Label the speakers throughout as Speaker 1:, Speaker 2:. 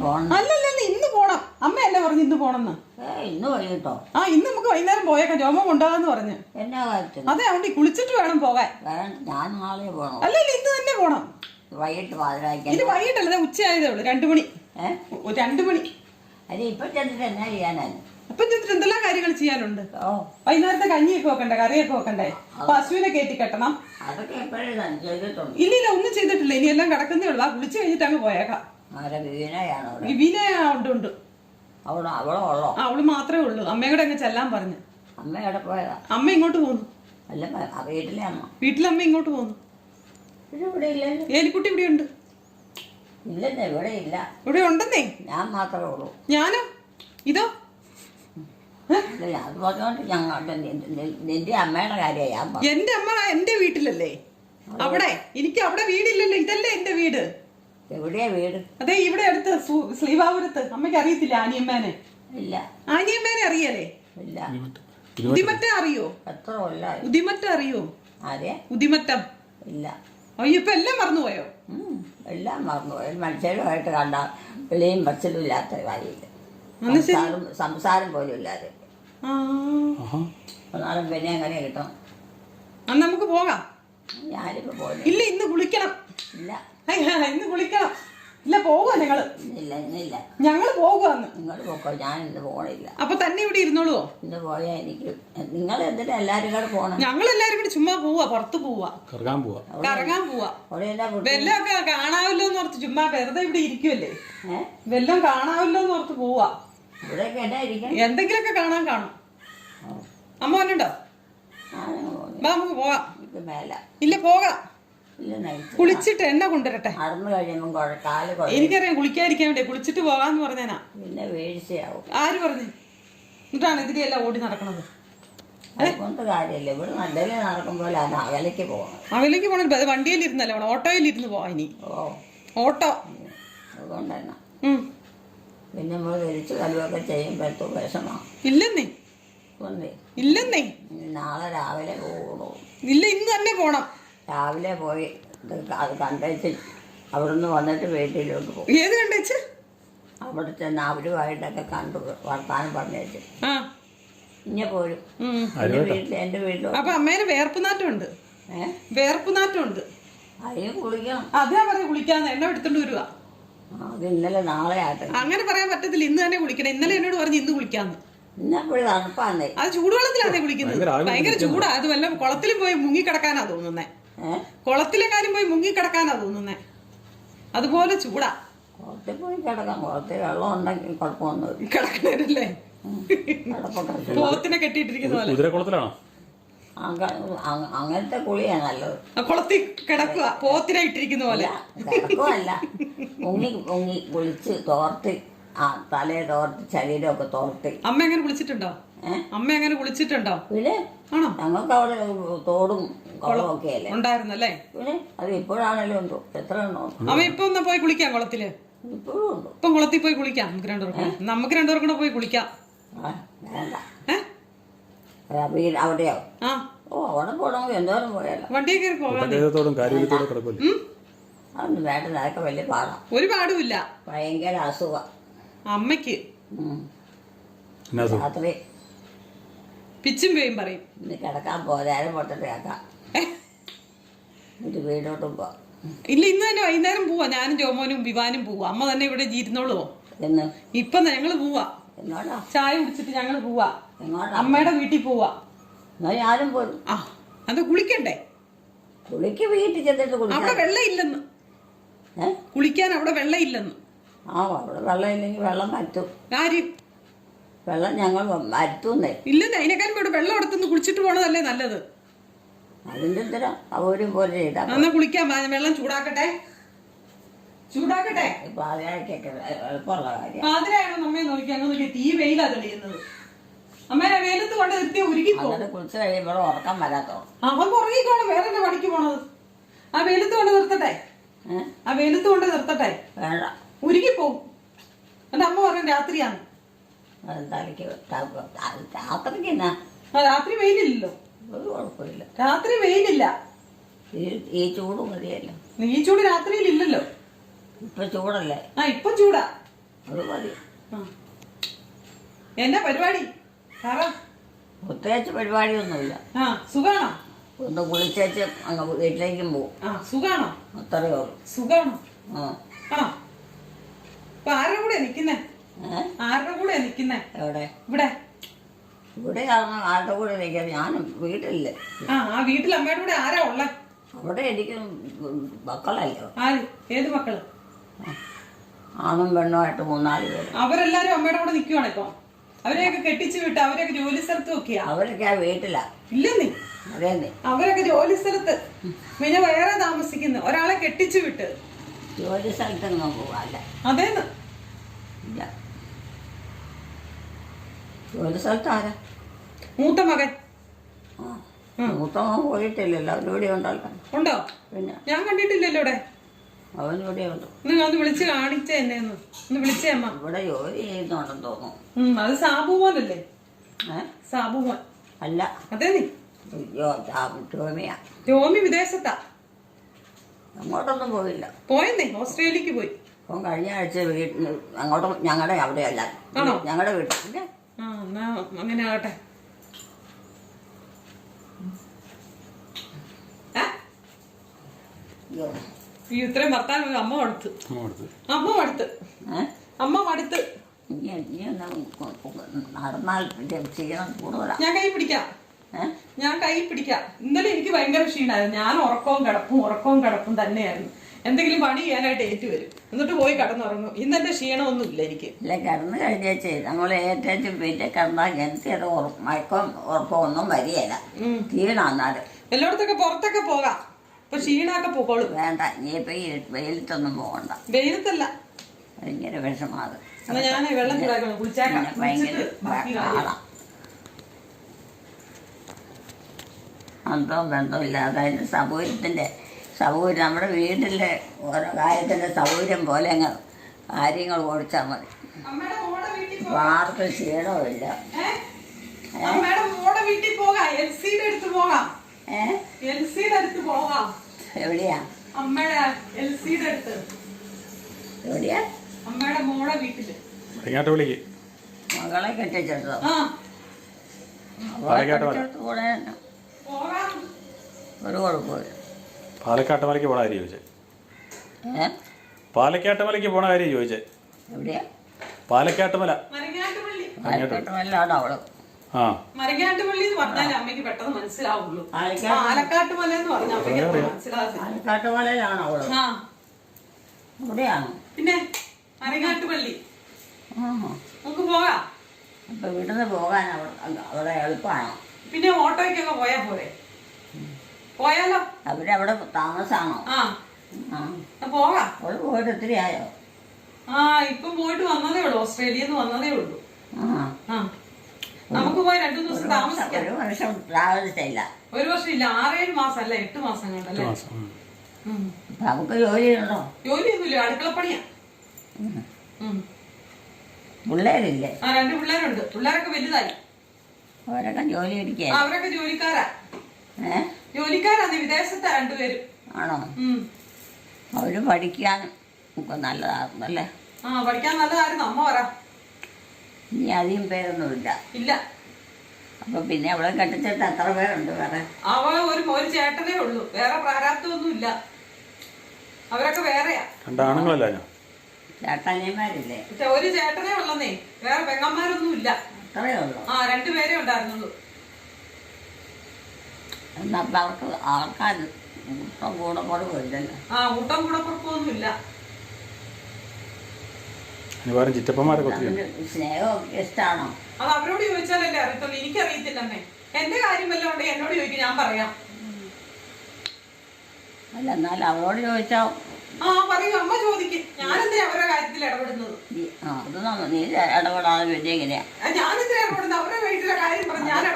Speaker 1: പോകണം.
Speaker 2: അല്ലല്ല ഇന്ന് പോണം. അമ്മയല്ലേ പറഞ്ഞു ഇന്ന് പോണെന്ന്.
Speaker 1: ഇന്ന് വൈകിട്ടോ?
Speaker 2: ആ ഇന്ന് നമുക്ക് വൈകുന്നേരം പോയേക്കാം. ജോമ കൊണ്ടുപോകാന്ന് പറഞ്ഞു.
Speaker 1: എന്നാ കാര്യത്തിന്?
Speaker 2: അതെ അവിടെ കുളിച്ചിട്ട് വേണം പോകാൻ.
Speaker 1: ഞാൻ നാളെ പോകണം.
Speaker 2: അല്ലല്ല ഇന്ന് തന്നെ പോണം.
Speaker 1: വൈകിട്ട് പാതിരാക്കാൻ?
Speaker 2: ഇത് വൈകിട്ടല്ല, ഉച്ചയായതേ ഉള്ളു. 2 മണി. 2 മണി.
Speaker 1: അത് ഇപ്പൊ ചെന്നിട്ട് എന്നാ ചെയ്യാനാണ്?
Speaker 2: അപ്പൊ ചെന്നിട്ട് എന്തെല്ലാം കാര്യങ്ങൾ ചെയ്യാനുണ്ട്.
Speaker 1: ഓ,
Speaker 2: വൈകുന്നേരത്തെ കഞ്ഞിയൊക്കെ വെക്കണ്ടേ, കറിയൊക്കെ വെക്കണ്ടേ, പശുവിനെ കയറ്റി കെട്ടണം.
Speaker 1: അതൊക്കെ എപ്പോഴും ചെയ്തിട്ടുണ്ട്.
Speaker 2: ഇല്ല ഒന്നും ചെയ്തിട്ടില്ല. ഇനി എല്ലാം കിടക്കുന്നേ ഉള്ളു. ആ കുളിച്ച് കഴിഞ്ഞിട്ട് അങ്ങ് പോയേക്കാം.
Speaker 1: ആരെ വീണയാണോ?
Speaker 2: വിവീന ഉണ്ട്.
Speaker 1: അവളോ ഉള്ളോ?
Speaker 2: ആ അവള് മാത്രമേ ഉള്ളൂ. അമ്മയും കൂടെ അങ്ങ് ചെല്ലാൻ പറഞ്ഞു.
Speaker 1: അമ്മ എവിടെ പോയതാ?
Speaker 2: അമ്മ ഇങ്ങോട്ട് പോന്നു.
Speaker 1: അല്ല, വീട്ടിലെ അമ്മ?
Speaker 2: വീട്ടിലെ അമ്മ ഇങ്ങോട്ട് പോന്നു.
Speaker 1: ഇവിടെ ഇല്ലല്ലോ.
Speaker 2: ഏലിക്കുട്ടി ഇവിടെ ഉണ്ട്.
Speaker 1: ഇല്ലെന്നേ, ഇവിടെ ഇല്ല.
Speaker 2: ഇവിടെ ഉണ്ടെന്നേ.
Speaker 1: ഞാൻ മാത്രമേ ഉള്ളൂ.
Speaker 2: ഞാനോ? ഇതോ?
Speaker 1: അത് പറഞ്ഞോണ്ട് നിന്റെ അമ്മയുടെ കാര്യമാണ് ഞാൻ പറഞ്ഞത്.
Speaker 2: എന്റെ അമ്മ എന്റെ വീട്ടിലല്ലേ. അവിടെ എനിക്ക് അവിടെ വീടില്ലല്ലോ. ഇതല്ലേ എന്റെ വീട്.
Speaker 1: എവിടെയാ വീട്?
Speaker 2: അതെ ഇവിടെ അടുത്ത് ശ്രീവാപുരത്ത്. അമ്മയ്ക്ക് അറിയത്തില്ല ആനിയമ്മേനെ?
Speaker 1: ഇല്ല.
Speaker 2: ആനിയമ്മേനെ അറിയല്ലേ?
Speaker 1: ഇല്ല.
Speaker 2: ഉദിമറ്റം അറിയോ?
Speaker 1: എത്ര കൊല്ലായി?
Speaker 2: ഉദിമറ്റം അറിയോ?
Speaker 1: ആരെ?
Speaker 2: ഉദിമറ്റം.
Speaker 1: ഇല്ല.
Speaker 2: അയ്യോ ഇപ്പൊ എല്ലാം മറന്നുപോയോ?
Speaker 1: എല്ലാം മറന്നുപോയി. മനുഷ്യരുമായിട്ട് കണ്ട വിളിയും പറച്ചിലും ഇല്ലാത്ത കാര്യമില്ല. സംസാരം പോലും ഇല്ലാതെ. എന്നാലും പിന്നെ എങ്ങനെ കിട്ടും?
Speaker 2: അന്ന് നമുക്ക് പോകാം.
Speaker 1: ഞാനിപ്പോ പോയി.
Speaker 2: ഇല്ല ഇന്ന് കുളിക്കണം.
Speaker 1: ഇല്ല
Speaker 2: ഇന്ന് കുളിക്കണം. ഇല്ല പോവാ ഞങ്ങള്.
Speaker 1: ഇന്നില്ല.
Speaker 2: ഞങ്ങള് പോകുവാന്ന്.
Speaker 1: നിങ്ങൾ പോക്കോ, ഞാൻ ഇന്ന് പോണില്ല.
Speaker 2: അപ്പൊ തന്നെ ഇവിടെ ഇരുന്നോളൂ.
Speaker 1: ഇന്ന് പോയാ എനിക്ക് നിങ്ങൾ എന്തിനാ എല്ലാരും കൂടെ പോണം?
Speaker 2: ഞങ്ങൾ എല്ലാരും കൂടി ചുമ്മാ പോവാ, പുറത്ത് പോവാ, കറങ്ങാൻ പോവാ. വെല്ലമൊക്കെ കാണാമല്ലോ എന്ന് ഓർത്ത് ചുമ്മാ വെറുതെ ഇവിടെ ഇരിക്കുവല്ലേ. വെല്ലം കാണാമല്ലോ എന്ന് ഓർത്ത് പോവാ.
Speaker 1: ഇവിടെയൊക്കെ എന്നാ ഇരിക്കണം?
Speaker 2: എന്തെങ്കിലുമൊക്കെ കാണാൻ. അമ്മ വന്നുണ്ടോ? നമുക്ക് പോവാം. ഇല്ല പോകാം. കുളിച്ചിട്ട് എണ്ണ കൊണ്ടുവരട്ടെ.
Speaker 1: നടന്നു കഴിയുമ്പോ
Speaker 2: എനിക്കറിയാം കുളിക്കാതിരിക്കാൻ വേണ്ടി. കുളിച്ചിട്ട് പോകാന്ന് പറഞ്ഞാ
Speaker 1: പിന്നെ വീഴ്ചയാവും.
Speaker 2: ആര് പറഞ്ഞു? എന്നിട്ടാണ് ഇതിലെല്ലാം ഓടി നടക്കണത്.
Speaker 1: അതുകൊണ്ട് കാര്യമില്ല. ഇവിടെ നല്ലതിൽ നടക്കുമ്പോൾ അത് അകലേക്ക് പോകണം.
Speaker 2: അകലേക്ക് പോകണം. വണ്ടിയിൽ ഇരുന്നല്ലേ വേണം, ഓട്ടോയിൽ ഇരുന്ന് പോവാ. ഇനി ഓട്ടോ.
Speaker 1: അതുകൊണ്ട് തന്നെ പിന്നെ നമ്മൾ തിരിച്ചു കലുവൊക്കെ ചെയ്യുമ്പോഴത്തോ വിഷമാണ്.
Speaker 2: ഇല്ലെന്നേ.
Speaker 1: നാളെ രാവിലെ പോകണോ?
Speaker 2: ഇല്ല ഇന്ന് തന്നെ പോണം.
Speaker 1: രാവിലെ പോയി അത് കണ്ടേച്ച് അവിടുന്ന് വന്നിട്ട് വീട്ടിലോട്ട് പോകും.
Speaker 2: ഏത് കണ്ടേച്ച്?
Speaker 1: അവിടെ ചെന്ന് അവരുമായിട്ടൊക്കെ കണ്ടു വർത്താനം പറഞ്ഞേച്ച് ഇങ്ങനെ പോരും. എന്റെ വീട്ടിൽ
Speaker 2: അപ്പൊ അമ്മേനെ വേർപ്പുനാറ്റമുണ്ട്. വേർപ്പുനാറ്റമുണ്ട്.
Speaker 1: അതിന് കുളിക്കണം.
Speaker 2: അതേ പറയാ കുളിക്കാന്ന്. എണ്ണ എടുത്തോണ്ട് വരുവാ.
Speaker 1: അത് ഇന്നലെ നാളെ ആട്ടെ.
Speaker 2: അങ്ങനെ പറയാൻ പറ്റത്തില്ല. ഇന്ന് തന്നെ കുളിക്കണം. ഇന്നലെ എന്നോട് പറഞ്ഞു ഇന്ന് കുളിക്കാന്ന്.
Speaker 1: ഇന്നെപ്പോഴും തണുപ്പാന്നേ.
Speaker 2: അത് ചൂടുവെള്ളത്തിലാണേ കുളിക്കുന്നത്. ഭയങ്കര ചൂടാ. അത് വല്ല കുളത്തിലും പോയി മുങ്ങിക്കിടക്കാനാ തോന്നുന്നേ. കുളത്തിലെ കാര്യം പോയി മുങ്ങിക്കിടക്കാനാ തോന്നുന്നേ. അതുപോലെ ചൂടാ.
Speaker 1: കുളത്തിൽ പോയി കിടക്കാം. കുളത്തിൽ വെള്ളം ഉണ്ടെങ്കിൽ കുഴപ്പമൊന്നും
Speaker 2: കിടക്കണല്ലേ. പോത്തിനെ കെട്ടിയിട്ടിരിക്കുന്ന പോലെ.
Speaker 1: അങ്ങനത്തെ കുളിയാ നല്ലത്.
Speaker 2: കുളത്തിൽ കിടക്കുക പോത്തിനെ ഇട്ടിരിക്കുന്ന പോലെ.
Speaker 1: കിടക്കുവല്ല, മുങ്ങി കുളിച്ച് തോർത്തി തലയെ തോർത്തി ശരീരമൊക്കെ തോർത്തി.
Speaker 2: അമ്മ എങ്ങനെ കുളിച്ചിട്ടുണ്ടോ? അമ്മ എങ്ങനെ കുളിച്ചിട്ടുണ്ടോ?
Speaker 1: പിന്നെ
Speaker 2: ആണോ?
Speaker 1: ഞങ്ങൾക്ക് അവിടെ തോടും കുളവും ഒക്കെ അല്ലേ
Speaker 2: ഉണ്ടായിരുന്നല്ലേ.
Speaker 1: പിന്നെ അത് ഇപ്പോഴാണല്ലോ ഉണ്ടോ? എത്ര ഉണ്ടോ?
Speaker 2: അമ്മ ഇപ്പൊ ഒന്ന് പോയി കുളിക്കാം കുളത്തില്.
Speaker 1: ഇപ്പോഴും ഉണ്ടോ?
Speaker 2: ഇപ്പം കുളത്തിൽ പോയി കുളിക്കാം. നമുക്ക് രണ്ടുപേർക്കും കൂടെ പോയി കുളിക്കാം.
Speaker 1: വേണ്ട. അവിടെയോ? അവിടെ പോകണമെങ്കിൽ എന്തോരം പോയാലോ.
Speaker 2: വണ്ടിയെ കയറി പോകാം.
Speaker 1: അതൊന്നും വേണ്ട. അതൊക്കെ വലിയ പാടാം.
Speaker 2: ഒരു പാടുമില്ല.
Speaker 1: ഭയങ്കര അസുഖം
Speaker 2: അമ്മയ്ക്ക്.
Speaker 1: രാത്രി
Speaker 2: പിച്ചും പേയും പറയും.
Speaker 1: ഇന്ന് കിടക്കാൻ പോരാനും പൊട്ടിട്ട് കേൾക്കാം. വീടോട്ടും പോവാം.
Speaker 2: ഇല്ല ഇന്ന് തന്നെ വൈകുന്നേരം പോവാ. ഞാനും ജോമോനും വിവാനും പോവാ. അമ്മ തന്നെ ഇവിടെ ഇരുന്നോളൂ. ഇപ്പൊ ഞങ്ങള് പോവാ. ചായ കുടിച്ചിട്ട് ഞങ്ങള് പോവാ. അമ്മയുടെ വീട്ടിൽ പോവാ.
Speaker 1: ഞാനും പോരും.
Speaker 2: അത് കുളിക്കണ്ടേ?
Speaker 1: കുളിക്ക് വീട്ടിൽ ചെന്നിട്ട്
Speaker 2: അവിടെ വെള്ളം ഇല്ലെന്ന്. കുളിക്കാൻ അവിടെ വെള്ളം ഇല്ലെന്ന്.
Speaker 1: അവിടെ വെള്ളം ഇല്ലെങ്കിൽ വെള്ളം പറ്റും.
Speaker 2: ആര്?
Speaker 1: വെള്ളം ഞങ്ങൾ വരുത്തുന്നേ.
Speaker 2: ഇല്ലെന്ന്. അതിനേക്കാളും ഇവിടെ വെള്ളം എടുത്തുനിന്ന് കുളിച്ചിട്ട് പോണതല്ലേ നല്ലത്.
Speaker 1: അതിന്റെ എന്തിനാ അവരും പോലെ
Speaker 2: എന്നാ കുളിക്കാം. വെള്ളം ചൂടാക്കട്ടെ.
Speaker 1: പാതിരാക്കൊക്കെ എളുപ്പമുള്ള കാര്യം.
Speaker 2: പാതിരായാണോ നമ്മെ നോക്കി അങ്ങ് നോക്കിയ തീ വെയിലാ തെളിയുന്നത്. അമ്മേനെ വെയിലത്ത് കൊണ്ട് നിർത്തിയ ഉരുകി
Speaker 1: കുളിച്ച് കഴിയുമ്പോൾ ഉറക്കം വരാത്തോ?
Speaker 2: അവൻ ഉറങ്ങിക്കോണം. വേറെ എന്നെ പണിക്ക് പോണത്. ആ വെയിലത്ത് കൊണ്ട് നിർത്തട്ടെ.
Speaker 1: വേണ്ട,
Speaker 2: ഉരുകി പോവും. എന്റെ അമ്മ പറയും രാത്രിയാണ്.
Speaker 1: രാത്രിക്ക് എന്നാ?
Speaker 2: രാത്രി വെയിലില്ലല്ലോ.
Speaker 1: ഒരു കുഴപ്പമില്ല.
Speaker 2: രാത്രി വെയിലില്ല.
Speaker 1: ഈ ചൂട് മതിയല്ലോ.
Speaker 2: ഈ ചൂട് രാത്രിയിൽ ഇല്ലല്ലോ.
Speaker 1: ഇപ്പൊ ചൂടല്ലേ?
Speaker 2: ഇപ്പൊ ചൂടാ.
Speaker 1: അത് മതി.
Speaker 2: ആ എന്നാ പരിപാടി സാറ?
Speaker 1: പ്രത്യേകിച്ച് പരിപാടിയൊന്നുമില്ല.
Speaker 2: ആ സുഖാണോ?
Speaker 1: ഒന്ന് കുളിച്ചേച്ച് അങ്ങ് വീട്ടിലേക്കും പോകും.
Speaker 2: ആ സുഖാണോ?
Speaker 1: അത്രയേ ഉള്ളൂ.
Speaker 2: സുഖാണോ?
Speaker 1: ആ
Speaker 2: ആ ഇപ്പൊ ആരുടെ കൂടെ നിക്കുന്നേ? ആരുടെ കൂടെ നിക്കുന്നേ?
Speaker 1: എവിടെ?
Speaker 2: ഇവിടെ.
Speaker 1: ഇവിടെ ആരുടെ കൂടെ നിൽക്കാം? ഞാനും വീട്ടിലില്ല.
Speaker 2: ആ വീട്ടിൽ അമ്മയുടെ കൂടെ ആരാ ഉള്ളേ?
Speaker 1: അവിടെ എനിക്ക് മക്കളല്ലോ.
Speaker 2: ആര്? ഏത് മക്കള്?
Speaker 1: ആണും പെണ്ണുമായിട്ട് 3-4 പേര്.
Speaker 2: അവരെല്ലാരും അമ്മയുടെ കൂടെ നിക്കുവാണ് ഇപ്പൊ. അവരെയൊക്കെ കെട്ടിച്ചു വിട്ട് അവരൊക്കെ ജോലി സ്ഥലത്ത് നോക്കിയാ.
Speaker 1: അവരൊക്കെ വീട്ടിലാ.
Speaker 2: ഇല്ലെന്നേ.
Speaker 1: അതേന്നെ.
Speaker 2: അവരൊക്കെ ജോലി സ്ഥലത്ത് പിന്നെ വേറെ താമസിക്കുന്നു. ഒരാളെ കെട്ടിച്ചു വിട്ട്
Speaker 1: ജോലി സ്ഥലത്തൊന്നും പോവാല്ല.
Speaker 2: അതേന്ന്.
Speaker 1: ഇല്ല. ജോലി സ്ഥലത്ത് ആരാ?
Speaker 2: മൂത്ത മകൻ.
Speaker 1: മൂത്ത മകൻ പോയിട്ടില്ലല്ലോ. അവനിവിടെ ഉണ്ടല്ലോ.
Speaker 2: ഉണ്ടോ?
Speaker 1: പിന്നെ
Speaker 2: ഞാൻ കണ്ടിട്ടില്ലല്ലോ ഇവിടെ.
Speaker 1: അവനിവിടെ ഉണ്ട്.
Speaker 2: ഒന്ന് വിളിച്ച് കാണിച്ചേ എന്നെ. ഒന്ന് വിളിച്ചേ അമ്മ.
Speaker 1: ഇവിടെ ജോലി ചെയ്യുന്നുണ്ടെന്ന് തോന്നുന്നു.
Speaker 2: അത് സാബു മോനല്ലേ? സാബു മോൻ
Speaker 1: അല്ല.
Speaker 2: അതേ നീ
Speaker 1: ടോമിയാ.
Speaker 2: ടോമി വിദേശത്താ.
Speaker 1: അങ്ങോട്ടൊന്നും പോയില്ല.
Speaker 2: പോയെന്നേ. ഓസ്ട്രേലിയക്ക് പോയി.
Speaker 1: അപ്പം കഴിഞ്ഞ ആഴ്ച വീട്ടിൽ അങ്ങോട്ടും ഞങ്ങളുടെ അവിടെയല്ല.
Speaker 2: ആണോ?
Speaker 1: ഞങ്ങളുടെ വീട്ടിൽ.
Speaker 2: ആ എന്നാ അങ്ങനെ ആകട്ടെ. ഇത്രയും ഭർത്താവ് അമ്മ മടുത്ത്. അമ്മ മടുത്ത്.
Speaker 1: നടന്നാൽ ക്ഷീണം കൂടുതലാണ്.
Speaker 2: ഞാൻ കൈ പിടിക്കാം. ഇന്നലെ എനിക്ക് ഭയങ്കര ക്ഷീണമായിരുന്നു. ഞാൻ ഉറക്കവും കിടപ്പും തന്നെയായിരുന്നു. എന്തെങ്കിലും പണി ചെയ്യാനായിട്ട് ഏറ്റു വരും. എന്നിട്ട് പോയി കിടന്നുറങ്ങും. ഇന്നെന്റെ ക്ഷീണമൊന്നും ഇല്ല എനിക്ക്.
Speaker 1: ഇല്ല, കിടന്നു കഴിഞ്ഞേച്ച് നമ്മൾ ഏറ്റേച്ച് പിന്നെ കിടന്നാൽ എനിക്ക് മയക്കം ഉറക്കമൊന്നും വരികയില്ല. ക്ഷീണാന്നാല്
Speaker 2: എല്ലായിടത്തൊക്കെ പുറത്തൊക്കെ പോകാം. ഇപ്പൊ ക്ഷീണമൊക്കെ പോക്കോളും.
Speaker 1: വേണ്ട, നീ ഇപ്പൊ ഈ വെയിലത്തൊന്നും പോകണ്ട.
Speaker 2: വെയിലത്തല്ല,
Speaker 1: ഭയങ്കര വിഷമാത്.
Speaker 2: ഞാൻ വെള്ളം
Speaker 1: ഭയങ്കര അന്തവും ബന്ധവും ഇല്ലാതെ അതിൻ്റെ സൗകര്യം നമ്മുടെ വീട്ടിലെ ഓരോ കാര്യത്തിൻ്റെ സൗകര്യം പോലെ അങ്ങ് കാര്യങ്ങൾ ഓടിച്ചാൽ മതി. ആർക്കും ക്ഷീണവുമില്ല. എവിടെയാ? എവിടെയാ?
Speaker 2: അമ്മയുടെ മോളെ വീട്ടില്.
Speaker 1: മകളെ കെട്ടിച്ചെടുത്തോ? ഒരു കുഴപ്പമില്ല.
Speaker 3: പാലക്കാട്ട് മലയ്ക്ക് പോണ കാര്യം ചോദിച്ചേ. പാലക്കാട്ട് മലയ്ക്ക് പോണ കാര്യം ചോദിച്ചേ.
Speaker 1: എവിടെയാ?
Speaker 3: പാലക്കാട്ട് മല.
Speaker 1: പാലക്കാട്ടുമലയാണ് അവള്.
Speaker 2: മരങ്ങാട്ടുപള്ളി എന്ന് പറഞ്ഞാൽ അമ്മയ്ക്ക് പെട്ടെന്ന് മനസ്സിലാവുള്ളൂ. പാലക്കാട്ടുമല എന്ന് പറഞ്ഞാൽ അമ്മയ്ക്ക് മനസ്സിലാവില്ല.
Speaker 1: പാലക്കാട്ടുമലയിലാണ് അവള്. അവിടെയാണോ?
Speaker 2: പിന്നെ മരങ്ങാട്ടുപള്ളി. നമുക്ക് പോകാം.
Speaker 1: അപ്പൊ ഇവിടുന്ന് പോകാൻ അവിടെ എളുപ്പമാണോ?
Speaker 2: പിന്നെ ഓട്ടോയ്ക്കൊക്കെ പോയാ പോരെ? പോയാലോ?
Speaker 1: അവരവിടെ താമസാണോ?
Speaker 2: പോകാം.
Speaker 1: അവള് പോയിട്ട് ഒത്തിരി ആയോ?
Speaker 2: ഇപ്പം പോയിട്ട് വന്നതേ ഉള്ളൂ. ഓസ്ട്രേലിയന്ന് വന്നതേ ഉള്ളൂ. നമുക്ക് പോയി 2 ദിവസം താമസിക്കാം.
Speaker 1: 1 വർഷം താമസിച്ചില്ല.
Speaker 2: 1 വർഷം ഇല്ല, 6-7 മാസം അല്ല 8 മാസം കണ്ടല്ലേ.
Speaker 1: നമുക്ക് ജോലിയുണ്ടോ?
Speaker 2: ജോലിയൊന്നുമില്ല, അടുക്കളപ്പണിയാ.
Speaker 1: പിള്ളേരില്ലേ?
Speaker 2: 2 പിള്ളേരുണ്ട്. പിള്ളേരൊക്കെ വലുതായി.
Speaker 1: അവരൊക്കെ ജോലി പിടിക്കുക?
Speaker 2: അവരൊക്കെ ജോലിക്കാരാണ്. വിദേശത്താ 2 പേരും.
Speaker 1: ആണോ? അവര് പഠിക്കാനും നല്ലതായിരുന്നല്ലേ?
Speaker 2: പഠിക്കാൻ നല്ലതായിരുന്നു. അമ്മ പറ.
Speaker 1: ഇനി അധികം പേരൊന്നുമില്ല.
Speaker 2: ഇല്ല.
Speaker 1: അപ്പൊ പിന്നെ അവളെ കെട്ടിച്ചിട്ട് എത്ര പേരുണ്ട് വേറെ?
Speaker 2: അവള് ഒരു ചേട്ടനേ ഉള്ളൂ. വേറെ പ്രാരാബ്ദമൊന്നും ഇല്ല. അവരൊക്കെ വേറെയാ. ചേട്ടനിയന്മാരില്ലേ? ഒരു ചേട്ടനേ ഉള്ളന്നേ. വേറെ പെങ്ങന്മാരൊന്നും ഇല്ല.
Speaker 1: അത്രേ ഉള്ളൂ.
Speaker 2: 2 പേരേ ഉണ്ടായിരുന്നുള്ളൂ.
Speaker 1: എന്നപ്പോ അവർക്ക് ആൾക്കാർ കൂടപ്പുറപ്പില്ലല്ലോ.
Speaker 2: ഊട്ടം കൂടപ്പുറപ്പൊന്നും ഇല്ല.
Speaker 1: സ്നേഹമൊക്കെ ഇഷ്ടമാണോ?
Speaker 2: അത് അവരോട് ചോദിച്ചാലല്ലേ അറിയത്തുള്ളൂ. എനിക്കറിയത്തില്ലെന്നേ. എന്റെ കാര്യം വല്ലതും ഉണ്ടെങ്കിൽ എന്നോട് ചോദിക്കും, ഞാൻ പറയാം.
Speaker 1: അല്ല, എന്നാലും അവരോട് ചോദിച്ചാ
Speaker 2: പറയൂ. അമ്മ ചോദിക്കും. ഞാനെന്തിനാ അവരുടെ കാര്യത്തിൽ ഇടപെടുന്നത്?
Speaker 1: അത് നീ ഇടപെടാതെ പിന്നെ എങ്ങനെയാ?
Speaker 2: ഞാനെന്തിനാ ഇടപെടുന്നത്? അവരുടെ വീട്ടിലെ കാര്യം പറഞ്ഞ് ഞാൻ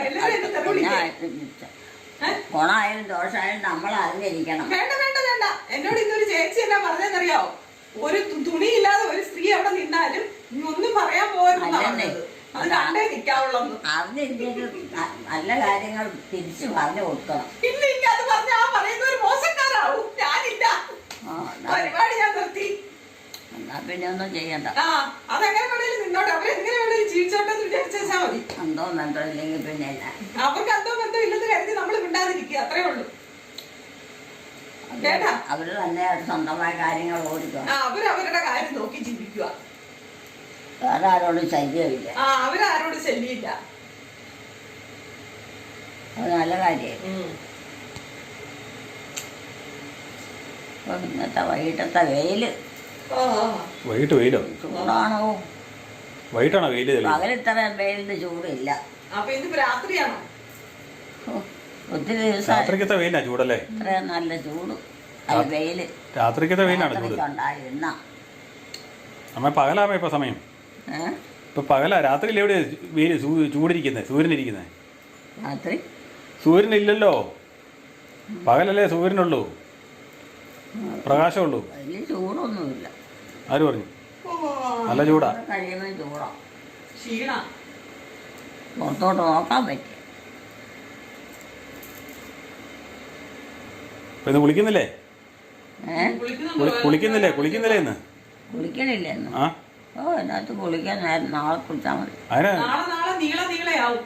Speaker 1: ഗുണമായാലും ദോഷമായാലും നമ്മൾ അറിഞ്ഞിരിക്കണം.
Speaker 2: വേണ്ട. എന്നോട് ഇന്നൊരു ചേച്ചി എന്നാ പറഞ്ഞെന്നറിയാവോ? ഒരു തുണിയില്ലാതെ ഒരു സ്ത്രീ അവിടെ നിന്നാലും ഒന്നും പറയാൻ പോരുന്നത്. അത് കണ്ടേ നിൽക്കാവുള്ളൂ.
Speaker 1: അറിഞ്ഞിരിക്കും. നല്ല കാര്യങ്ങൾ തിരിച്ചു പറഞ്ഞു കൊടുക്കണം.
Speaker 2: ഇല്ല, അത് പറഞ്ഞ പറയുന്ന ഒരു മോശക്കാരാവും. ഞാനില്ല. പരിപാടി ഞാൻ നിർത്തി.
Speaker 1: എന്നാ പിന്നെ ഒന്നും ചെയ്യണ്ട.
Speaker 2: ആ അതെങ്ങനെ വേണേലും നിന്നോട്ടെ, അവരെങ്ങനെ വേണേലും ജീവിച്ചോട്ടെ എന്ന് വിചാരിച്ചാൽ മതി.
Speaker 1: എന്തോ ബന്ധം ഇല്ലെങ്കിൽ പിന്നെ എന്നാ?
Speaker 2: അവർക്ക് എന്തോ ബന്ധം ഇല്ലെന്ന് കരുതി നമ്മൾ മിണ്ടാതിരിക്കുക, അത്രേ ഉള്ളൂ. കേട്ടാ?
Speaker 1: അവര് തന്നെ സ്വന്തമായ കാര്യങ്ങൾ ഓടിക്കുക.
Speaker 2: അവരവരുടെ കാര്യം നോക്കി ജീവിക്കുക.
Speaker 1: വേറെ ആരോടും ശല്യമില്ല.
Speaker 2: അവരാരോട് ശല്യമില്ല.
Speaker 1: അത് നല്ല കാര്യമായി. ഇന്നത്തെ വൈകിട്ടത്തെ വെയില്.
Speaker 3: വൈകിട്ട് വെയിലോ?
Speaker 1: ചൂടാണോ?
Speaker 3: വൈകിട്ടാണോ വെയില്?
Speaker 1: പകലിത്ര വെയിലിന് ചൂടില്ല.
Speaker 2: അപ്പൊ ഇന്നിപ്പോ രാത്രിയാണോ?
Speaker 1: ഒത്തിരി ദിവസം
Speaker 3: രാത്രിക്കത്തെ വെയിലാ ചൂടല്ലേ?
Speaker 1: ഇത്രയും നല്ല ചൂട് വെയില്
Speaker 3: രാത്രിക്കത്തെ വെയിലാണ് ചൂട്.
Speaker 1: ഉണ്ടായിരുന്ന
Speaker 3: അമ്മ പകലാമ ഇപ്പൊ സമയം? ഇപ്പൊ പകലാ. രാത്രിയിൽ എവിടെയാ വെയില് ചൂടിരിക്കുന്നത്? സൂര്യനിരിക്കുന്നത്?
Speaker 1: രാത്രി
Speaker 3: സൂര്യനില്ലല്ലോ. പകലല്ലേ സൂര്യനുള്ളൂ, പ്രകാശമുള്ളൂ.
Speaker 1: വലിയ ചൂടൊന്നുമില്ല.
Speaker 3: ആര് പറഞ്ഞു? നല്ല ചൂടാ.
Speaker 1: കഴിയുമ്പോൾ ചൂടാ,
Speaker 2: ക്ഷീണ.
Speaker 1: പുറത്തോട്ട് നോക്കാൻ പറ്റും.
Speaker 3: ഇന്ന് കുളിക്കുന്നില്ലേ? കുളിക്കുന്നില്ലേ? ഇന്ന്
Speaker 1: കുളിക്കണില്ല ഇന്ന്.
Speaker 3: ആ
Speaker 1: അതിനകത്ത് കുളിക്കാൻ നാളെ കുളിച്ചാൽ മതി.
Speaker 2: നാളെ നീളയാവും.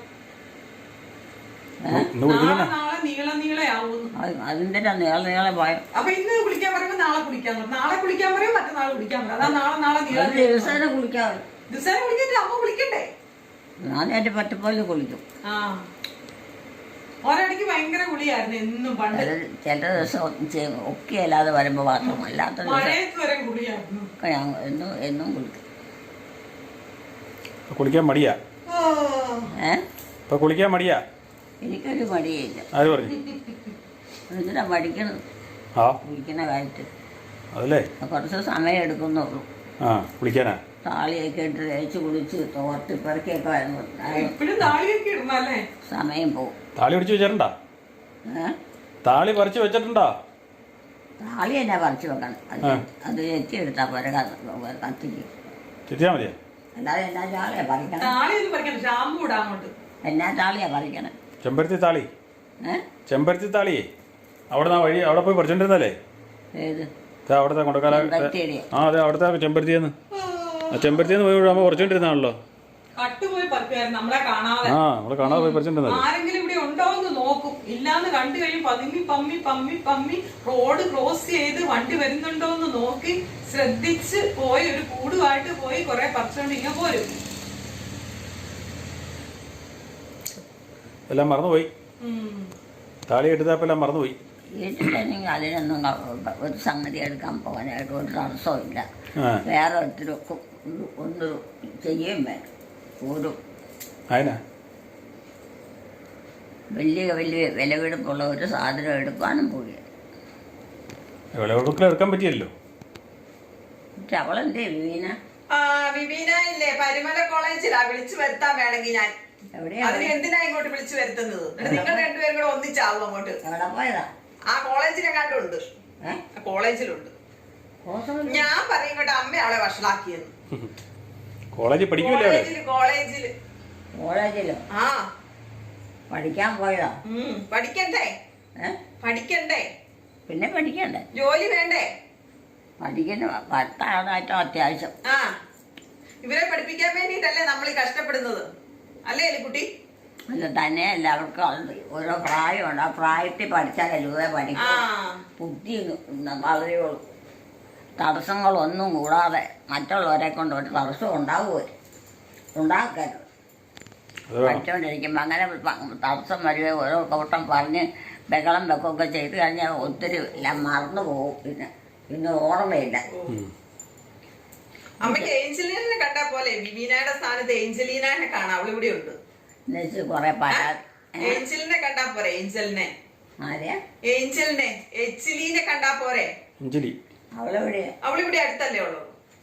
Speaker 1: അതിന്റെ നീളെ പോയോ?
Speaker 2: അപ്പൊ ഇന്ന് കുളിക്കാൻ പറയുമ്പോ നാളെ കുളിക്കാൻ പറയും, നാളെ കുളിക്കാൻ പറയും, മറ്റന്നാൾ കുളിക്കാൻ പറയും. അതാ നാളെ
Speaker 1: ദിവസേന കുളിക്കാൻ.
Speaker 2: ദിവസേന കുളിക്കണ്ടേ? അമ്മ കുളിക്കണ്ടേ?
Speaker 1: ഞാൻ എന്റെ പറ്റപ്പോലെ കുളിക്കും.
Speaker 2: ഒരടിക്ക് ഭയങ്കര കുളിയായിരുന്നു എന്നും പണ്ട്.
Speaker 1: ചില ദിവസം ഒക്കെ അല്ലാതെ വരുമ്പോ മാത്രം, അല്ലാത്ത
Speaker 2: മഴയത്ത് വരെ കുളിയായിരുന്നു.
Speaker 1: ഞാൻ എന്നും കുളിക്കും.
Speaker 3: കുളിക്കാൻ മടിയാ? കുളിക്കാൻ മടിയാ?
Speaker 1: എനിക്കൊരു മടിയില്ല.
Speaker 3: ആര് പറഞ്ഞു?
Speaker 1: എന്തിനാ മടിക്കണത് കുളിക്കുന്ന കാര്യത്തിൽ?
Speaker 3: അതല്ലേ
Speaker 1: കുറച്ച് സമയം എടുക്കുന്നുള്ളൂ.
Speaker 3: കുളിക്കാനാ?
Speaker 1: താളിയൊക്കെ ഇട്ട് തേച്ച് കുളിച്ച് തോർത്തി പെറുക്കിയൊക്കെ വരുന്നു സമയം പോകും.
Speaker 3: താളി പിടിച്ച് വെച്ചിട്ടുണ്ടോ? താളി പറിച്ച് വെച്ചിട്ടുണ്ടോ?
Speaker 1: താളി തന്നെ പറിച്ച് വെക്കണം. അത് ചെത്തി എടുത്താ പോരെ, കത്തിക്ക്
Speaker 3: ചെത്തിയാ മതിയാ.
Speaker 1: അല്ലാതെ എന്നാ താളിയാ പറിക്കണം? എന്നാ താളിയാ പറിക്കണം?
Speaker 3: ചെമ്പരത്തി താളി. ചെമ്പരത്തി താളിയേ അവിടെ പോയി പറിച്ചോണ്ടിരുന്നല്ലേ?
Speaker 1: ഏത്
Speaker 3: അവിടുത്തെ കൊണ്ടക്കാല? അതെ, അവിടുത്തെ ചെമ്പരത്തിന്ന്. ചെമ്പരത്തിന്ന് പോയി നമ്മൾ പറിച്ചോണ്ടിരുന്നാണല്ലോ.
Speaker 2: നമ്മളെ
Speaker 3: കാണാതെ പോയി പറിച്ചോണ്ടിരുന്നത്.
Speaker 2: ആരെങ്കിലും ഇവിടെ ഉണ്ടോ എന്ന് നോക്കും. ഇല്ലാന്ന് കണ്ടു കഴിയും പതുങ്ങി പമ്മി റോഡ് ക്രോസ് ചെയ്ത് വണ്ടി വരുന്നുണ്ടോ എന്ന് നോക്കി ശ്രദ്ധിച്ച് പോയി ഒരു കൂടുമായിട്ട് പോയി കുറെ പറിച്ചോണ്ട് ഇങ്ങനെ പോരും.
Speaker 3: എല്ലാം മറന്നുപോയി. താളി എടുത്തപ്പോ എല്ലാം മറന്നുപോയി.
Speaker 1: വീട്ടിലെങ്കിൽ അതിനൊന്നും ഒരു സംഗതി എടുക്കാൻ പോകാനായിട്ട് ഒരു തടസ്സവും ഇല്ല. വേറെ ഒത്തിരിക്കും ഒന്ന് ചെയ്യുകയും വേണം. ഒരു വലിയ വിലപിടിപ്പുള്ള ഒരു സാധനം എടുക്കാനും പോയി
Speaker 3: എടുക്കാൻ പറ്റിയല്ലോ.
Speaker 1: അവളെന്തേ
Speaker 2: വിവീന ഇല്ലേ പരിമല കോളേജിലാ വിളിച്ചു വരുത്താൻ വേണമെങ്കിൽ ഞാൻ അതിന് എന്തിനാ ഇങ്ങോട്ട് വിളിച്ചു വരുത്തുന്നത്? നിങ്ങൾ രണ്ടുപേരും കൂടെ ഒന്നിച്ചാവും അങ്ങോട്ട്.
Speaker 1: എവിടെ പോയതാ?
Speaker 2: ആ കോളേജിലെ കണ്ടുണ്ട്, കോളേജിലുണ്ട്. ഞാൻ പറയും ഇങ്ങോട്ട് അമ്മ അവളെ വഷളാക്കിയെന്ന്.
Speaker 1: കോളേജിലോ?
Speaker 2: ആ
Speaker 1: പഠിക്കാൻ പോയതാ?
Speaker 2: പഠിക്കണ്ടേ?
Speaker 1: പിന്നെ പഠിക്കണ്ടേ?
Speaker 2: ജോലി വേണ്ടേ?
Speaker 1: പഠിക്കുന്ന അത്യാവശ്യം.
Speaker 2: ഇവരെ പഠിപ്പിക്കാൻ വേണ്ടിട്ടല്ലേ നമ്മൾ ഈ കഷ്ടപ്പെടുന്നത്, അല്ലേ എലിക്കുട്ടി?
Speaker 1: അല്ല, തന്നെയല്ല, അവർക്ക് ഓരോ പ്രായമുണ്ട്. ആ പ്രായത്തിൽ പഠിച്ചാലേ രൂപ പഠിക്കും. ബുദ്ധി വളരെയുള്ളൂ. തടസ്സങ്ങളൊന്നും കൂടാതെ മറ്റുള്ളവരെ കൊണ്ട് ഒരു തടസ്സം ഉണ്ടാക്കരുത്. പഠിച്ചുകൊണ്ടിരിക്കുമ്പോൾ അങ്ങനെ തടസ്സം വരികയോ ഓരോ കൂട്ടം പറഞ്ഞ് ബഹളം വെക്കുകയൊക്കെ ചെയ്ത് കഴിഞ്ഞാൽ ഒത്തിരി എല്ലാം മറന്നു പോകും. പിന്നെ ഓർമ്മയില്ല.
Speaker 2: അമ്മയ്ക്ക് ഏഞ്ചലീനെ കണ്ടാ പോലെ വിവീനയുടെ സ്ഥാനത്ത് ഏഞ്ചലീനെ കാണാം. അവളിവിടെ ഉണ്ട്.
Speaker 1: കൊറേ പരാതി.
Speaker 2: ഏഞ്ചലിനെ കണ്ടാ പോരെ? ഏഞ്ചലിനെ എച്ചിലീനെ കണ്ടാ പോരെ? അവളിവിടെ അടുത്തല്ലേ ഉള്ളു.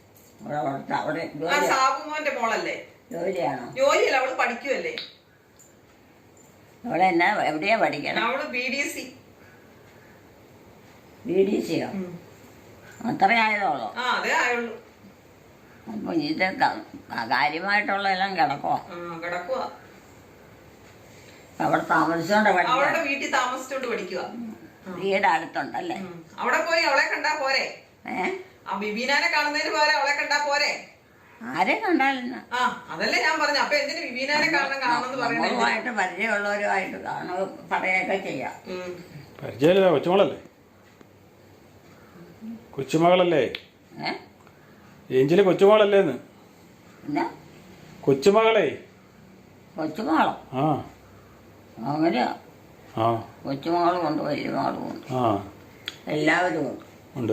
Speaker 2: സാബുമോന്റെ മോളല്ലേ?
Speaker 1: ജോലിയാണോ?
Speaker 2: ജോലിയല്ല, അവള് പഠിക്കുവല്ലേ.
Speaker 1: അവളെന്നാ എവിടെയാ പഠിക്കണം?
Speaker 2: അവള് BDC.
Speaker 1: BDCയോ? അത്രയായതോളോ?
Speaker 2: അതേ ആയുള്ളൂ.
Speaker 1: അപ്പൊ ഇത് കാര്യമായിട്ടുള്ള എല്ലാം കിടക്കുവാ. അവിടെ താമസിച്ചോണ്ട്
Speaker 2: അവളുടെ വീട്ടിൽ താമസിച്ചോണ്ട് പഠിക്കുക.
Speaker 1: വീട് അടുത്തുണ്ടല്ലേ?
Speaker 2: അവിടെ പോയി അവളെ കണ്ടാ പോരെ? ആ വിവീനാനെ കാണുന്നതിന് പോരെ അവളെ കണ്ടാ പോരെ?
Speaker 1: ആരെ കണ്ടാലെന്നാ?
Speaker 2: ആ അതല്ലേ ഞാൻ പറഞ്ഞു. അപ്പൊ എന്തിനു വിവീനാനെ കാണണമെന്ന് പറയണേ?
Speaker 1: നമ്മളുമായിട്ട് പരിചയമുള്ളവരുമായിട്ട് പറയുകയൊക്കെ ചെയ്യാം.
Speaker 3: പരിചയമില്ല, കൊച്ചുമകളല്ലേ? കൊച്ചുമകളല്ലേ? ഏഞ്ചിലെ കൊച്ചുമകളല്ലേന്ന്?
Speaker 1: എന്നാ
Speaker 3: കൊച്ചുമകളെ?
Speaker 1: കൊച്ചുമകളോ?
Speaker 3: ആ
Speaker 1: അങ്ങനെയാ.
Speaker 3: ആ
Speaker 1: കൊച്ചുമകളും ഉണ്ട്, വലിയ മകളും ഉണ്ട്,
Speaker 3: ആ
Speaker 1: എല്ലാവരും ഉണ്ട്.
Speaker 3: ഉണ്ട്.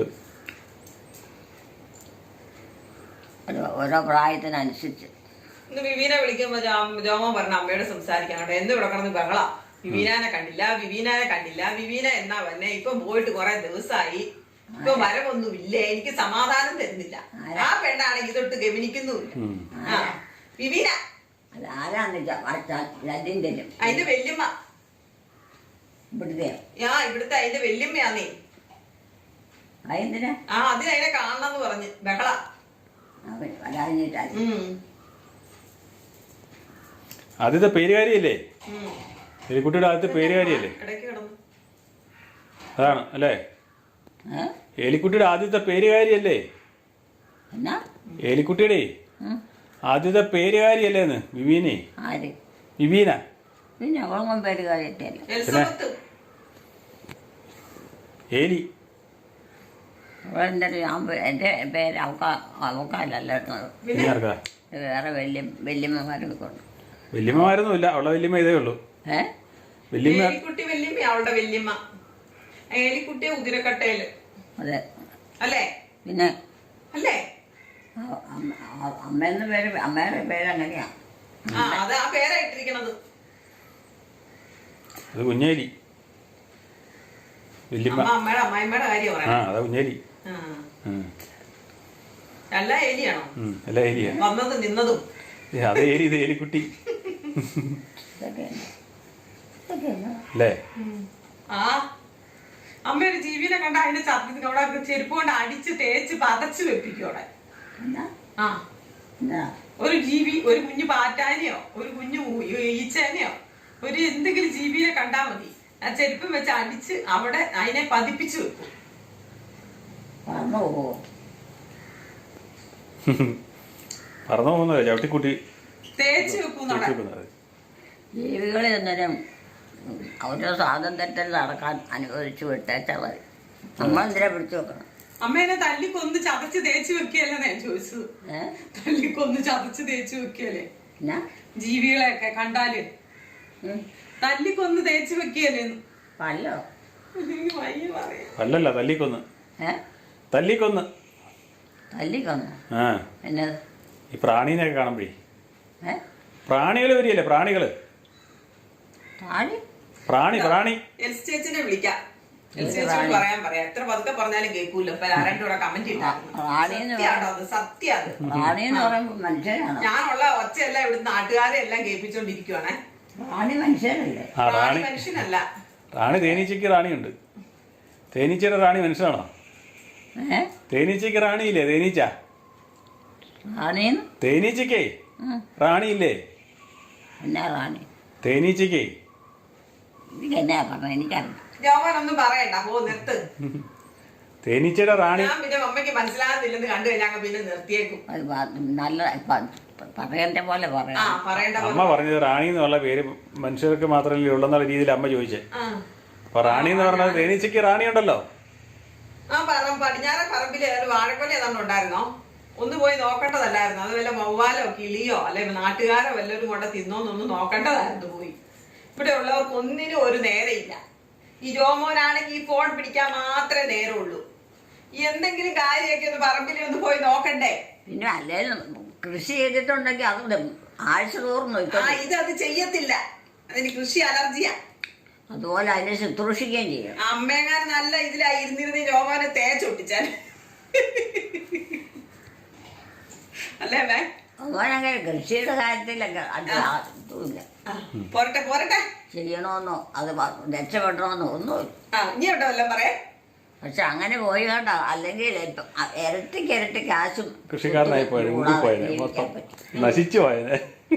Speaker 1: ഓരോ പ്രായത്തിനനുസരിച്ച്.
Speaker 2: ഇന്ന് വിവീനെ വിളിക്കുമ്പോ ജോമോൻ പറഞ്ഞ അമ്മയോട് സംസാരിക്കാൻ കേട്ടോ. എന്ത് ഇവിടെ കിടന്ന് ബഹള. വിവീനാനെ കണ്ടില്ല, വിവീനാനെ കണ്ടില്ല. വിവീന എന്നാ വന്നെ? ഇപ്പൊ പോയിട്ട് കുറെ ദിവസമായി, ഇപ്പൊ വരവൊന്നുമില്ല, എനിക്ക് സമാധാനം തരുന്നില്ല. ആ പെണ്ണാണെങ്കിൽ ഇതൊട്ട് ഗമനിക്കുന്നുമില്ല. ആ വിവീന
Speaker 1: അതാരാന്ന് ലദ്യം തരും.
Speaker 2: അതിന്റെ വല്യമ്മ
Speaker 1: ഇവിടുത്തെ.
Speaker 2: ഇവിടുത്തെ അതിന്റെ വല്യമ്മയാന്നേ.
Speaker 1: അതെന്തിനാ?
Speaker 2: അതിനെ കാണണമെന്ന് പറഞ്ഞ് ബഹള.
Speaker 3: ആദ്യത്തെ പേരുകാരിയല്ലേ? എലിക്കുട്ടിയുടെ ആദ്യത്തെ പേരുകാരിയല്ലേ?
Speaker 2: ഇടയ്ക്ക് കിടന്നു.
Speaker 3: അതാണ് അല്ലേ? എലിക്കുട്ടിയുടെ ആദ്യത്തെ പേരുകാരിയല്ലേ?
Speaker 1: എന്നാ?
Speaker 3: എലിക്കുട്ടിയുടെ ആദ്യത്തെ പേരുകാരിയല്ലേന്ന് വിവീനെ?
Speaker 1: ആര്?
Speaker 3: വിവീന.
Speaker 1: പിന്നെ അവളൊന്നും പേരുകാരിയല്ലേ?
Speaker 3: ഏലി.
Speaker 1: എൻ്റെ പേര് അവക്കാലല്ലോ. വേറെ വല്യമ്മമാരൊക്കെ ഉണ്ട്.
Speaker 3: വല്യമ്മമാരൊന്നുമില്ല, അവളുടെ വല്യമ്മ ഇതേ ഉള്ളൂ.
Speaker 2: എലിക്കുട്ടി വല്യമ്മ അവളുടെ വല്യമ്മ. എലിക്കുട്ടിയെ ഉതിരക്കട്ടയില്.
Speaker 1: അതെ
Speaker 2: അല്ലേ?
Speaker 1: പിന്നെ
Speaker 2: അല്ലേ?
Speaker 1: അമ്മയുടെ പേര് അങ്ങനെയാ.
Speaker 2: അത് ആ പേരാ ഇട്ടിരിക്കണത്.
Speaker 3: അത് കുഞ്ഞേലി.
Speaker 2: അമ്മയുടെ അമ്മായിമ്മയുടെ കാര്യം പറയാം.
Speaker 3: അതാ കുഞ്ഞേലി.
Speaker 2: എല്ലാ ഏലിയാണോ?
Speaker 3: എല്ലാ ഏലിയാ.
Speaker 2: വന്നതും നിന്നതും
Speaker 3: അതേ ഏലി. ഇത് ഏലിക്കുട്ടി അല്ലേ?
Speaker 2: അമ്മ ഒരു ജീവിനെ കണ്ട അതിന്റെ ചത്തി അവിടെ ചെരുപ്പ് കൊണ്ട് അടിച്ച് തേച്ച് പതച്ച് വെപ്പിക്കും അവിടെ. ഒരു ജീവി, ഒരു കുഞ്ഞു പാറ്റാനെയോ ഒരു കുഞ്ഞു ഈച്ചേനെയോ ഒരു എന്തെങ്കിലും ജീവിനെ കണ്ടാ മതി, ആ ചെരുപ്പം വെച്ച് അടിച്ച് അവിടെ അതിനെ പതിപ്പിച്ചു വെക്കും.
Speaker 3: പറന്നു പോകുന്നത് ചവിട്ടിക്കുട്ടി
Speaker 2: തേച്ച് വെക്കും.
Speaker 1: ജീവികളെ അന്നേരം ഓരോ സ്വാതന്ത്ര്യത്തിൽ നടക്കാൻ അനുവദിച്ചു വിട്ടേച്ചത് നമ്മളെന്തിനാ പിടിച്ചു വെക്കണം?
Speaker 2: അമ്മേനെ തല്ലിക്കൊന്ന് ചതച്ച് തേച്ച് വെക്കുകയല്ലേ ഞാൻ ചോദിച്ചത്. തല്ലിക്കൊന്ന് ചതച്ച് തേച്ച് വെക്കുകയല്ലേ ജീവികളെയൊക്കെ കണ്ടാല്? തല്ലിക്കൊന്ന് തേച്ച് വെക്കുകയല്ലേ?
Speaker 1: പല്ലോ
Speaker 3: അല്ലല്ല, തല്ലിക്കൊന്ന്. തല്ലിക്കൊന്ന്
Speaker 1: തല്ലിക്കൊന്ന് എന്നത്
Speaker 3: ഈ പ്രാണീനെയൊക്കെ കാണുമ്പോഴേ. പ്രാണികള് വരികയല്ലേ? പ്രാണികള്. പ്രാണി പ്രാണി
Speaker 2: ചേച്ചിനെ വിളിക്കാം. പറയാൻ പറയാം. എത്ര പതുക്കെ പറഞ്ഞാലും കേൾക്കൂല്ലോ. ആരുടെ കൂടെ കമന്റ് ഇട്ടാണ്. സത്യാണ്. ഞാനുള്ള ഒച്ചയെല്ലാം ഇവിടുന്ന് നാട്ടുകാരെ എല്ലാം കേൾപ്പിച്ചോണ്ടിരിക്കുവാണേ.
Speaker 1: റാണി മനുഷ്യനല്ലേ?
Speaker 2: റാണി മനുഷ്യനല്ല.
Speaker 3: റാണി തേനീച്ചയ്ക്ക് റാണിയുണ്ട്. തേനീച്ചയുടെ റാണി മനുഷ്യനാണോ? തേനീച്ചയ്ക്ക് റാണിയില്ലേ? തേനീച്ചയ്ക്കേ റാണിയില്ലേ?
Speaker 1: എന്നാ റാണി?
Speaker 3: തേനീച്ചയ്ക്കേ
Speaker 1: എന്നാ പറഞ്ഞ എനിക്കറിയാം.
Speaker 2: ജോമനൊന്നും പറയണ്ട, പോ നിർത്ത്.
Speaker 3: തേനീച്ചയുടെ റാണി.
Speaker 2: ഞാൻ പിന്നെ അമ്മയ്ക്ക് മനസ്സിലാകുന്നില്ലെന്ന് കണ്ടു കഴിഞ്ഞാൽ പിന്നെ നിർത്തിയേക്കും.
Speaker 1: നല്ല പറയേണ്ട പോലെ പറയാം.
Speaker 3: അമ്മ പറഞ്ഞത് റാണി എന്നുള്ള പേര് മനുഷ്യർക്ക് മാത്രമല്ലേ ഉള്ളെന്നുള്ള രീതിയിൽ അമ്മ ചോദിച്ചേ. അപ്പൊ റാണി എന്ന് പറഞ്ഞത് തേനീച്ചയ്ക്ക് റാണി ഉണ്ടല്ലോ.
Speaker 2: പടിഞ്ഞാറ പറമ്പില് ഒരു വാഴക്കൊല ഏതാണ്ട് ഉണ്ടായിരുന്നോ? ഒന്ന് പോയി നോക്കേണ്ടതല്ലായിരുന്നു? അത് വല്ല വവ്വാലോ കിളിയോ അല്ലെ നാട്ടുകാരോ വല്ലവരും കൊണ്ട് തിന്നോന്നൊന്ന് നോക്കേണ്ടതായിരുന്നു പോയി. ഇവിടെ ഉള്ളവർക്ക് ഒന്നിനും ഒരു നേരമില്ല. ഈ ജോമോനാണെങ്കിൽ ഈ ഫോൺ പിടിക്കാൻ മാത്രമേ നേരമുള്ളൂ. എന്തെങ്കിലും കാര്യമൊക്കെ ഒന്ന് പറമ്പിൽ ഒന്ന് പോയി നോക്കണ്ടേ?
Speaker 1: പിന്നെ അല്ലേലും കൃഷി ചെയ്തിട്ടുണ്ടെങ്കിൽ അത് ആഴ്ച തോറും
Speaker 2: ഇത് ചെയ്യത്തില്ല. അതിന് കൃഷി അലർജിയാ.
Speaker 1: അതുപോലെ അതിനെ ശുശ്രൂഷിക്കുകയും ചെയ്യും.
Speaker 2: അമ്മേങ്ങാൻ നല്ല ഇതിലായിരുന്നിരുന്ന് ജോമോനെ തേച്ചൊട്ടിച്ചാൽ അല്ലേ?
Speaker 1: അങ്ങനെ കൃഷിയുടെ കാര്യത്തിലൊക്കെ അതുമില്ല.
Speaker 2: പോരട്ടെ പോരട്ടെ.
Speaker 1: ചെയ്യണമെന്നോ അത് രക്ഷപ്പെടണമെന്നോ ഒന്നുമില്ല.
Speaker 2: ഇനി എവിടെ വല്ലതും പറയാം.
Speaker 1: പക്ഷെ അങ്ങനെ പോയി കണ്ട അല്ലെങ്കിൽ ഇരട്ടിക്ക് കാശും
Speaker 3: കൃഷിക്കാരനായി പോയത് മൊത്തം നശിച്ചു പോയത്.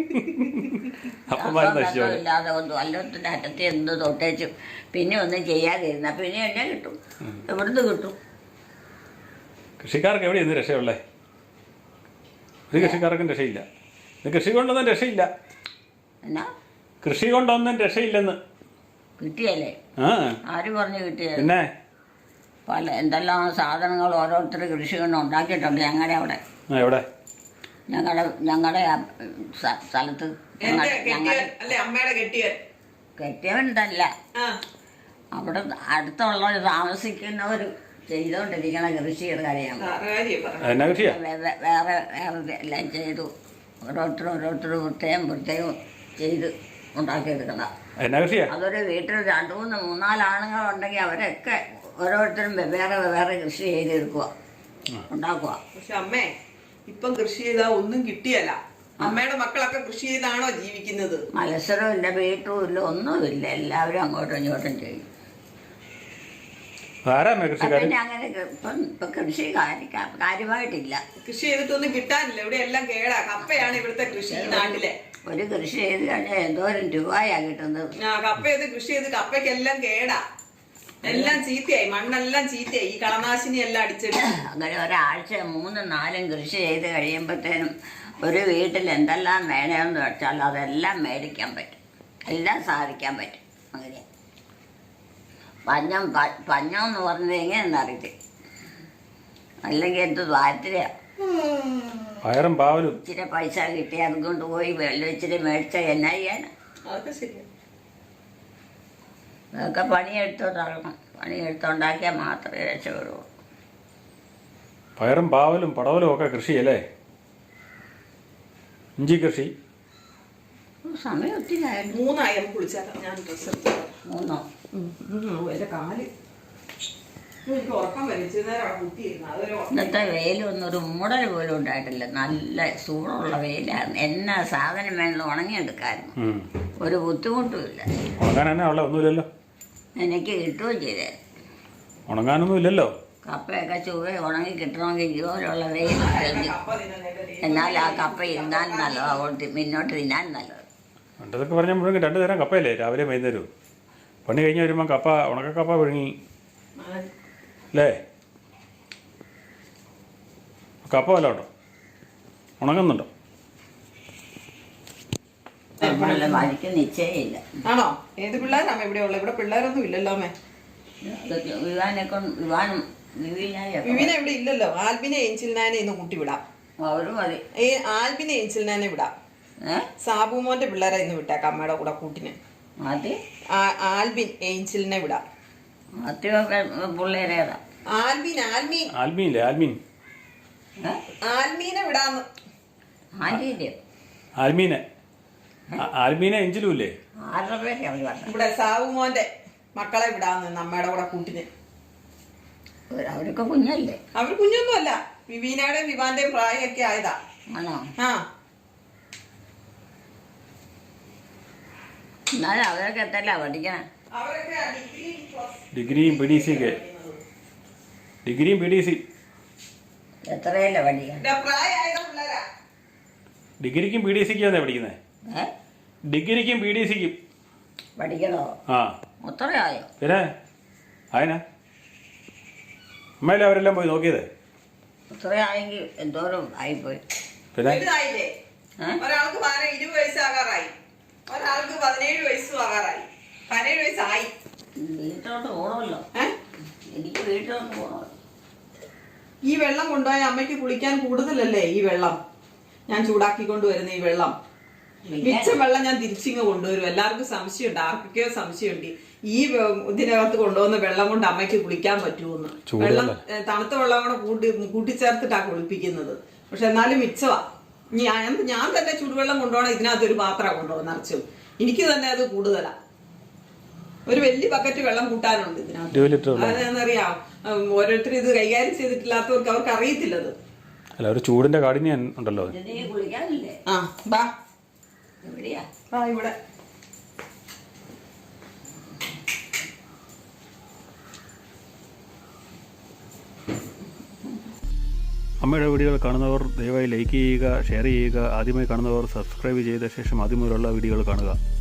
Speaker 1: ഇല്ലാതെ ഒന്നും അല്ലത്തിന്റെ അറ്റത്ത് എന്ത് തൊട്ടേച്ചും പിന്നെ ഒന്നും ചെയ്യാതിരുന്ന പിന്നെ എന്നെ കിട്ടും. എവിടുന്ന് കിട്ടും?
Speaker 3: കൃഷിക്കാർക്ക് എവിടെയാണ് ഇന്ന് രക്ഷയുള്ളേ? ഒരു കൃഷിക്കാർക്കും രക്ഷയില്ല. ഇത് കൃഷി കൊണ്ടൊന്നും രക്ഷയില്ല.
Speaker 1: എന്നാ
Speaker 3: കൃഷി കൊണ്ടൊന്നും രക്ഷയില്ലെന്ന്.
Speaker 1: കിട്ടിയല്ലേ?
Speaker 3: ആ
Speaker 1: ആര് പറഞ്ഞു കിട്ടിയത്?
Speaker 3: പിന്നെ
Speaker 1: പല എന്തെല്ലാം സാധനങ്ങൾ ഓരോരുത്തർ കൃഷി കൊണ്ട് ഉണ്ടാക്കിയിട്ടുണ്ട് ഞങ്ങളുടെ അവിടെ.
Speaker 3: എവിടെ?
Speaker 1: ഞങ്ങളുടെ സ്ഥലത്ത്.
Speaker 2: അമ്മയുടെ
Speaker 1: കെട്ടിയവനല്ല, അവിടെ അടുത്തുള്ളവർ താമസിക്കുന്നവർ ചെയ്തുകൊണ്ടിരിക്കണ കൃഷിയുടെ കാര്യമാണ്. വേറെ വേറെ എല്ലാം ചെയ്തു. ഓരോരുത്തരും പ്രത്യേകം ചെയ്ത് ഉണ്ടാക്കിയെടുക്കണം. അതൊരു വീട്ടിൽ 2-3-4 ആണുങ്ങളുണ്ടെങ്കിൽ അവരൊക്കെ ഓരോരുത്തരും വേറെ കൃഷി ചെയ്തെടുക്കുക, ഉണ്ടാക്കുക.
Speaker 2: പക്ഷെ അമ്മേ ഇപ്പം കൃഷി ചെയ്താൽ ഒന്നും കിട്ടിയല്ല. അമ്മയുടെ മക്കളൊക്കെ കൃഷി ചെയ്താണോ ജീവിക്കുന്നത്?
Speaker 1: മത്സരമില്ല, വീട്ടും ഇല്ല, ഒന്നുമില്ല. എല്ലാവരും അങ്ങോട്ടും ഇങ്ങോട്ടും ചെയ്യും. പിന്നെ അങ്ങനെ ഇപ്പൊ കൃഷി കാര്യമായിട്ടില്ല.
Speaker 2: കൃഷി ചെയ്തിട്ടൊന്നും കിട്ടാനില്ല. ഇവിടെ എല്ലാം കേടാ. കപ്പയാണ് ഇവിടുത്തെ കൃഷി നാട്ടിലെ.
Speaker 1: ഒരു കൃഷി ചെയ്ത് കഴിഞ്ഞാൽ എന്തോരം രൂപയാ കിട്ടുന്നത്.
Speaker 2: കപ്പ ചെയ്ത് കൃഷി ചെയ്ത് കപ്പയ്ക്കെല്ലാം കേടാ, എല്ലാം ചീത്തയായി, മണ്ണെല്ലാം ചീത്തയായി, ഈ കളനാശിനി എല്ലാം അടിച്ചിട്ട്.
Speaker 1: അങ്ങനെ ഒരാഴ്ച 3-4 കൃഷി ചെയ്ത് കഴിയുമ്പോഴത്തേനും ഒരു വീട്ടിൽ എന്തെല്ലാം വേണമെന്ന് വെച്ചാൽ അതെല്ലാം മേടിക്കാൻ പറ്റും, എല്ലാം സാധിക്കാൻ പറ്റും. അങ്ങനെ പഞ്ഞം എന്ന് പറഞ്ഞത് എങ്ങനെയെന്ന് അറിയത്തില്ല. അല്ലെങ്കിൽ എന്ത് താല്പര്യം.
Speaker 3: പയറും പാവലും
Speaker 1: ഇച്ചിരി പൈസ കിട്ടി അതുകൊണ്ട് പോയി വെള്ളം ഇച്ചിരി മേടിച്ച എന്നാ ചെയ്യാനാ? അതൊക്കെ പണിയെടുത്തോണ്ടിറങ്ങണം. പണിയെടുത്തുണ്ടാക്കിയാൽ മാത്രമേ രക്ഷപ്പെടുള്ളൂ.
Speaker 3: പയറും പാവലും പടവലും ഒക്കെ കൃഷിയല്ലേ? ഇഞ്ചി കൃഷി.
Speaker 1: സമയം ഒത്തിരി
Speaker 2: 3 കുളിച്ചാലോ? ഞാൻ
Speaker 1: 3
Speaker 2: എന്റെ കാല്
Speaker 1: ഇന്നത്തെ വെയിലൊന്നും ഒരു മൂടൽ പോലും ഉണ്ടായിട്ടില്ല. നല്ല ചൂടുള്ള വെയിലാണ്. എന്നാ സാധനം വേണമെങ്കിലും ഉണങ്ങിയെടുക്കായിരുന്നു. ഒരു ബുദ്ധിമുട്ടുമില്ല.
Speaker 3: ഒന്നുമില്ലല്ലോ.
Speaker 1: എനിക്ക് കിട്ടുകയും ചെയ്തേ.
Speaker 3: ഉണങ്ങാനൊന്നും ഇല്ലല്ലോ.
Speaker 1: കപ്പയൊക്കെ ചുവ ഉണങ്ങി കിട്ടണമെങ്കിൽ ഇതുപോലുള്ള വെയിൽ കഴിഞ്ഞു. എന്നാൽ ആ കപ്പ ഇരുന്നാൽ നല്ലത്, അതുകൊണ്ട് മുന്നോട്ട് തിന്നാൻ നല്ലത്.
Speaker 3: പണ്ടതൊക്കെ പറഞ്ഞാൽ മുഴുവൻ 2 തരം കപ്പയല്ലേ, രാവിലെ വൈകുന്നേരവും. പണി കഴിഞ്ഞ് വരുമ്പോൾ കപ്പ, ഉണക്കക്കപ്പ വിഴുങ്ങി അല്ലേ? കപ്പ വല്ല ഉണ്ടോ? ഉണങ്ങുന്നുണ്ടോ?
Speaker 1: മഴിക്ക് നിശ്ചയമില്ല.
Speaker 2: ആണോ? ഏത് പിള്ളേരാമ ഇവിടെ ഉള്ളത്? ഇവിടെ പിള്ളേരൊന്നും ഇല്ലല്ലോ അമ്മേ. വിവിനെ ഇവിടെ ഇല്ലല്ലോ. ആൽബിനെ ഏഞ്ചിൽനാനെ ഇന്ന് കൂട്ടി വിടാം. ആൽബിനെ ഏഞ്ചിൽനാനെ വിടാം. സാബുമോന്റെ പിള്ളേരെ ഇന്ന് വിട്ടേക്കാം അമ്മയുടെ കൂടെ കൂട്ടിന്. ആൽബിൻ ഏഞ്ചിലിനെ വിടാം. ആൽമീനെ വിടാന്ന്.
Speaker 3: ആൽമീനെ എഞ്ചിലും ഇല്ലേ?
Speaker 2: ഇവിടെ സാബുമോന്റെ മക്കളെ വിടാന്ന് അമ്മയുടെ കൂടെ കൂട്ടിന്.
Speaker 1: അവരൊക്കെ കുഞ്ഞല്ലേ?
Speaker 2: അവർ കുഞ്ഞൊന്നും അല്ല. വിവീനയുടെയും വിവാന്റെയും പ്രായമൊക്കെ ആയതാ. ആ
Speaker 1: എന്നാലും അവരൊക്കെ എത്തല്ല പഠിക്കണേ.
Speaker 3: ഡിഗ്രിയും പി ഡി സി
Speaker 1: എത്രയല്ലേ പഠിക്കണം?
Speaker 3: ഡിഗ്രിക്കും പി ഡി സിക്കും പഠിക്കുന്നത്. ഡിഗ്രിക്കും പി ഡി സിക്കും
Speaker 1: പഠിക്കണോ?
Speaker 3: ആ
Speaker 1: അത്രയായോ?
Speaker 3: പിന്നെ അതിനാ അമ്മയിലെ അവരെല്ലാം പോയി നോക്കിയത്.
Speaker 2: അത്രയായെങ്കിൽ എന്തോരം ആയിപ്പോയി. പിന്നെ ഒരാൾക്ക് 20 വയസ്സാകാറായി, ഒരാൾക്ക് 17 വയസ്സും ആകാറായി. 17 വയസ്സായി.
Speaker 1: വീട്ടിലോട്ട് പോകണമല്ലോ. എനിക്ക് വീട്ടിലോട്ട് പോകണമല്ലോ.
Speaker 2: ഈ വെള്ളം കൊണ്ടുപോയ അമ്മയ്ക്ക് കുളിക്കാൻ കൂടുതലല്ലേ? ഈ വെള്ളം ഞാൻ ചൂടാക്കിക്കൊണ്ട് വരുന്ന ഈ വെള്ളം, മിച്ചം വെള്ളം ഞാൻ തിരിച്ചിങ്ങ് കൊണ്ടുവരും. എല്ലാവർക്കും സംശയമുണ്ട്, ആർക്കൊക്കെയോ സംശയമുണ്ട് ഈ ഇതിനകത്ത് കൊണ്ടുവന്ന വെള്ളം കൊണ്ട് അമ്മയ്ക്ക് കുളിക്കാൻ പറ്റുമെന്ന്. വെള്ളം തണുത്ത വെള്ളം കൂടെ കൂട്ടിച്ചേർത്തിട്ടാ കുളിപ്പിക്കുന്നത്. പക്ഷെ എന്നാലും മിച്ചവാ. ഞാൻ തന്നെ ചൂടുവെള്ളം കൊണ്ടുപോകണം. ഇതിനകത്തൊരു പാത്രം കൊണ്ടുപോകണം നിറച്ചും. എനിക്ക് തന്നെ അത് കൂടുതലാ. ഒരു വലിയ ബക്കറ്റ് വെള്ളം കൂട്ടാനുണ്ട് ഇതിനകത്ത്. അതെന്നറിയാം, ഓരോരുത്തർ ഇത് കൈകാര്യം ചെയ്തിട്ടില്ലാത്തവർക്ക് അവർക്ക് അറിയത്തില്ലത്.
Speaker 3: അല്ല, ഒരു ചൂടിന്റെ കാഠിന്യം ഉണ്ടല്ലോ.
Speaker 2: ഇവിടെ
Speaker 3: അമ്മയുടെ വീഡിയോകൾ കാണുന്നവർ ദയവായി ലൈക്ക് ചെയ്യുക, ഷെയർ ചെയ്യുക. ആദ്യമായി കാണുന്നവർ സബ്സ്ക്രൈബ് ചെയ്ത ശേഷം ആദ്യം മുതലുള്ള വീഡിയോകൾ കാണുക.